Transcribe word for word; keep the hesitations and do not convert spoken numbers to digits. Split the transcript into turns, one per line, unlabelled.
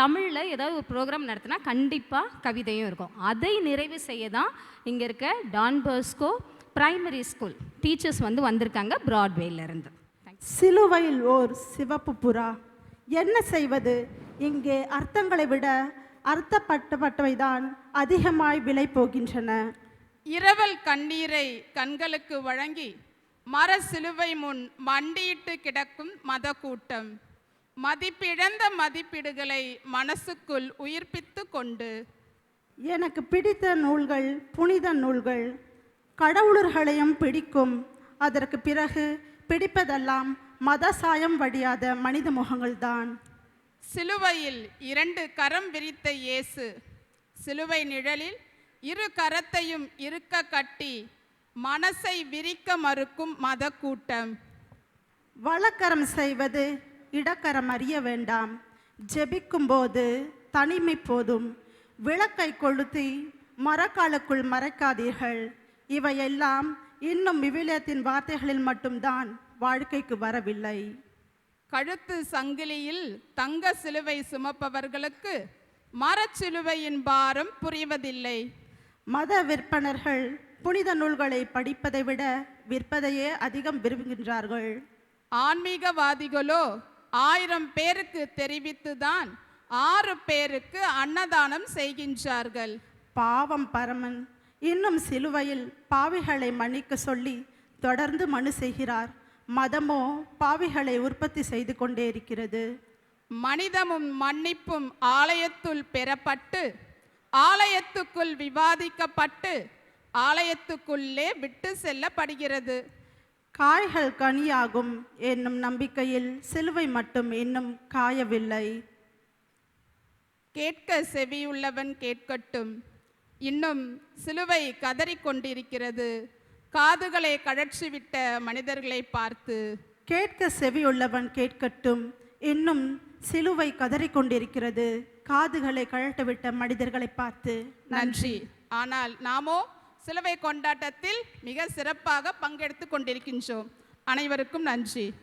தமிழில் ஏதாவது ஒரு ப்ரோக்ராம் நடத்தினா கண்டிப்பாக கவிதையும் இருக்கும். அதை நிறைவு செய்ய தான் இங்கே இருக்க Don Bosco primary school teachers வந்து வந்திருக்காங்க பிராட்வேலேருந்து.
சிலுவையில் ஓர் சிவப்பு புறா. என்ன செய்வது? இங்கே அர்த்தங்களை விட அர்த்தப்பட்டப்பட்டவைதான் அதிகமாய் விலை போகின்றன.
இரவல் கண்ணீரை கண்களுக்கு வழங்கி மர சிலுவை முன் மண்டியிட்டு கிடக்கும் மத கூட்டம் மதிப்பிழந்த மதிப்பீடுகளை மனசுக்குள் உயிர்ப்பித்து கொண்டு,
எனக்கு பிடித்த நூல்கள் புனித நூல்கள், கடவுளர்களையும் பிடிக்கும். அதற்கு பிறகு பிடிப்பதெல்லாம் மத சாயம் வடியாத மனித முகங்கள்தான்.
சிலுவையில் இரண்டு கரம் விரித்த இயேசு, சிலுவை நிழலில் இரு கரத்தையும் இருக்க கட்டி மனசை விரிக்க மறுக்கும் மத கூட்டம்.
வலக்கரம் செய்வது இடக்கரம் அறிய வேண்டாம். ஜெபிக்கும் போது தனிமை போதும். விளக்கை கொளுத்தி மரக்காலுக்குள் மறைக்காதீர்கள். இவையெல்லாம் இன்னும் விவிலியத்தின் வார்த்தைகளில் மட்டும்தான் வாழ்க்கைக்கு வரவில்லை.
கழுத்து சங்கிலியில் தங்க சிலுவை சுமப்பவர்களுக்கு மரச்சிலுவையின் பாரம் புரிவதில்லை.
மத விற்பனர்கள் புனித நூல்களை படிப்பதை விட விற்பதையே அதிகம் விரும்புகின்றார்கள்.
ஆன்மீகவாதிகளோ ஆயிரம் பேருக்கு தெரிவித்துதான் ஆறு பேருக்கு அன்னதானம் செய்கின்றார்கள்.
பாவம் பரமன் இன்னும் சிலுவையில் பாவிகளை மன்னிக்க சொல்லி தொடர்ந்து மனு செய்கிறார். மதமோ பாவிகளை உற்பத்தி செய்து கொண்டே இருக்கிறது.
மனிதமும் மன்னிப்பும் ஆலயத்துள் பெறப்பட்டு ஆலயத்துக்குள் விவாதிக்கப்பட்டு ஆலயத்துக்குள்ளே விட்டு செல்லப்படுகிறது.
காய்கள் கனியாகும் என்னும் நம்பிக்கையில் சிலுவை மட்டும் இன்னும் காயவில்லை.
கேட்க செவியுள்ளவன் கேட்கட்டும். இன்னும் சிலுவை கதறிக்கொண்டிருக்கிறது. காதுகளை கழற்றிவிட்ட மனிதர்களை பார்த்து,
கேட்க செவியுள்ளவன் கேட்கட்டும். இன்னும் சிலுவை கதறிக்கொண்டிருக்கிறது. காதுகளை கழட்டவிட்ட மனிதர்களை பார்த்து
நன்றி. ஆனால் நாமோ சிலுவை கொண்டாட்டத்தில் மிக சிறப்பாக பங்கெடுத்து கொண்டிருக்கின்றோம். அனைவருக்கும் நன்றி.